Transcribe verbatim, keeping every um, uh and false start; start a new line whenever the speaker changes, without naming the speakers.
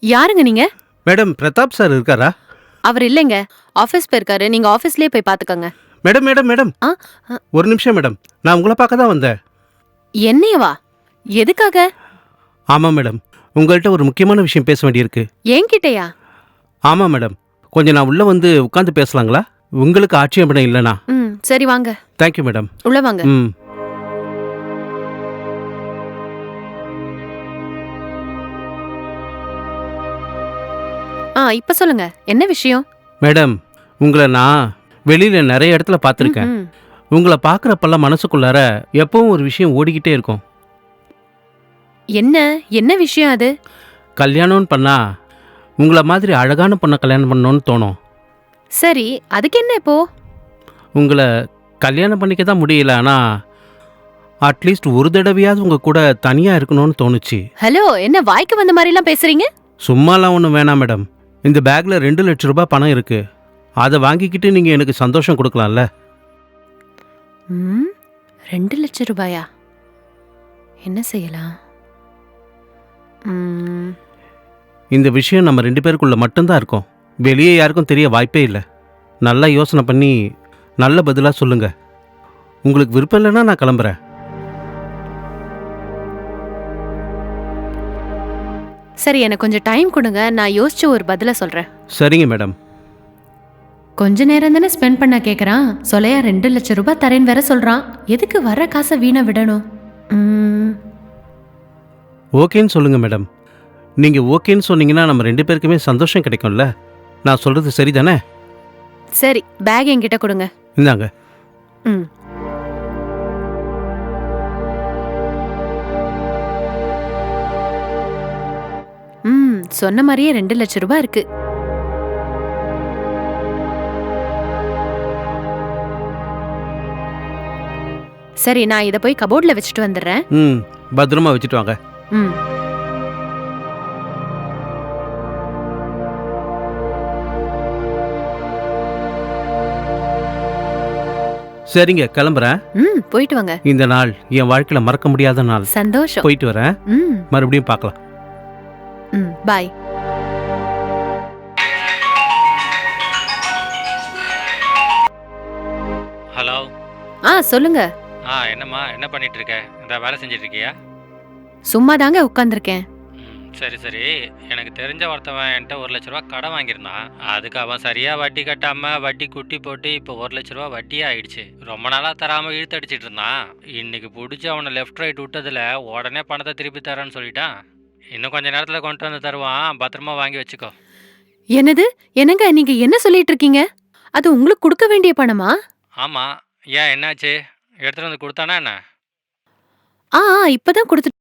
யாருங்க நீங்க?
Madam Pratap sir இருக்காரா?
அவர் இல்லைங்க. ஆஃபீஸ் போயிருக்காரு. நீங்க ஆஃபீஸ்லயே போய் பாத்துக்கங்க.
மேடம் மேடம் மேடம்
ஆ அ,
ஒரு நிமிஷம் மேடம், நான் உங்களை பார்க்க தான் வந்தேன்.
என்னையவா? எதுக்காக?
ஆமாம் மேடம், உங்கள்கிட்ட ஒரு முக்கியமான விஷயம் பேச வேண்டியிருக்கு.
என்கிட்டயா?
ஆமாம் மேடம், கொஞ்சம் நான் உள்ளே வந்து உட்காந்து பேசலாங்களா? உங்களுக்கு ஆட்சேபணம் இல்லைனா?
ம் சரி வாங்க.
Thank you madam.
உள்ள வாங்க.
ம்
ஆ இப்ப சொல்லுங்க. என்ன விஷயம்?
மேடம், உங்களை நான் வெளியில் நிறைய இடத்துல பார்த்துருக்கேன்.
ம்ஹும்.
உங்களை பார்க்குறப்பெல்லாம் மனசுக்குள்ளார எப்பவும் ஒரு விஷயம் ஓடிக்கிட்டே இருக்கும்.
என்ன என்ன விஷயம் அது?
கல்யாணம்னு பண்ணா உங்களை மாதிரி அழகான பொண்ணை கல்யாணம் பண்ணணும்னு தோணும்.
சரி, அதுக்கு என்ன இப்போ?
உங்களை கல்யாணம் பண்ணிக்க தான் முடியல, ஆனால் அட்லீஸ்ட் ஒரு தடவையாவது உங்கள் கூட தனியாக இருக்கணும்னு தோணுச்சு.
ஹலோ, என்ன வாய்க்கு வந்த மாதிரிலாம் பேசுறீங்க?
சும்மாலாம் ஒன்றும் வேணாம் மேடம். இந்த பேக்கில் ரெண்டு லட்ச ரூபாய் பணம் இருக்குது. அதை வாங்கிக்கிட்டு நீங்கள் எனக்கு சந்தோஷம் கொடுக்கலாம்ல?
ம் ரெண்டு லட்சம் ரூபாயா? என்ன செய்யலாம்? ம்
இந்த விஷயம் நம்ம ரெண்டு பேருக்குள்ள மட்டும்தான் இருக்கும். வெளியே யாருக்கும் தெரிய வாய்ப்பே இல்லை. நல்லா யோசனை பண்ணி நல்ல பதிலாக சொல்லுங்கள். உங்களுக்கு விருப்பம் இல்லைன்னா நான் கிளம்புறேன்.
சரி, எனக்கு கொஞ்சம் டைம் கொடுங்க. நான் யோசிச்சு ஒரு பதில சொல்றேன்.
சரிங்க மேடம்.
கொஞ்ச நேரம் தானே ஸ்பெண்ட் பண்ண கேக்குறான். சொலையா ரெண்டு லட்சம் ரூபாய் தரேன்னு வேற சொல்றான். எதுக்கு வர காசை வீணா விடணும்? ம்,
ஓகேன்னு சொல்லுங்கள் மேடம். நீங்கள் ஓகேன்னு சொன்னீங்கன்னா நம்ம ரெண்டு பேருக்குமே சந்தோஷம் கிடைக்கும்ல? நான் சொல்கிறது சரி தானே?
சரி, பேக் என்கிட்ட கொடுங்க.
இந்தாங்க.
ம் ம் சொன்ன மாதிரியே ரெண்டு லட்சம் ரூபாய் இருக்கு. சரி, நான் இதை போய் கபோர்ட்ல வச்சுட்டு வந்துடுறேன்.
ம் பத்திரமா வச்சுட்டு வாங்க.
ம்
சரிங்க, கிளம்புறேன்.
ம் போயிட்டு வாங்க.
இந்த நாள் என் வாழ்க்கையில் மறக்க முடியாத நாள்.
சந்தோஷம்.
போயிட்டு வரேன்.
ம்
மறுபடியும் பார்க்கலாம்.
ம் பாய்.
ஹலோ.
ஆ சொல்லுங்க.
ஆ என்னம்மா, என்ன பண்ணிட்டு இருக்க? இந்த வேலை செஞ்சுட்டு இருக்கியா?
சும்மா தாங்க உட்காந்துருக்கேன்.
ம் சரி சரி. எனக்கு தெரிஞ்ச ஒருத்தவன் என்கிட்ட ஒரு லட்ச ரூபா கடன் வாங்கியிருந்தான். அதுக்கு அவன் சரியா வட்டி கட்டாம வட்டி குட்டி போட்டு இப்போ ஒரு லட்ச ரூபா வட்டியே ஆயிடுச்சு. ரொம்ப நாளா தராம இழுத்தடிச்சிட்டு இருந்தான். இன்னைக்கு பிடிச்சி அவனை லெஃப்ட் ரைட் விட்டதுல உடனே பணத்தை திருப்பி தரேன்னு சொல்லிட்டான். இன்னும் கொஞ்ச நேரத்தில் கொண்டு வந்து தருவான், பத்திரமா வாங்கி வச்சுக்கோ.
என்னது? என்னங்க நீங்க என்ன சொல்லிட்டு இருக்கீங்க? அது உங்களுக்கு கொடுக்க வேண்டிய பணமா?
ஆமாம். ஏன், என்னாச்சு? எடுத்துகிட்டு வந்து கொடுத்தானா என்ன?
ஆ ஆ, இப்பதான் கொடுத்து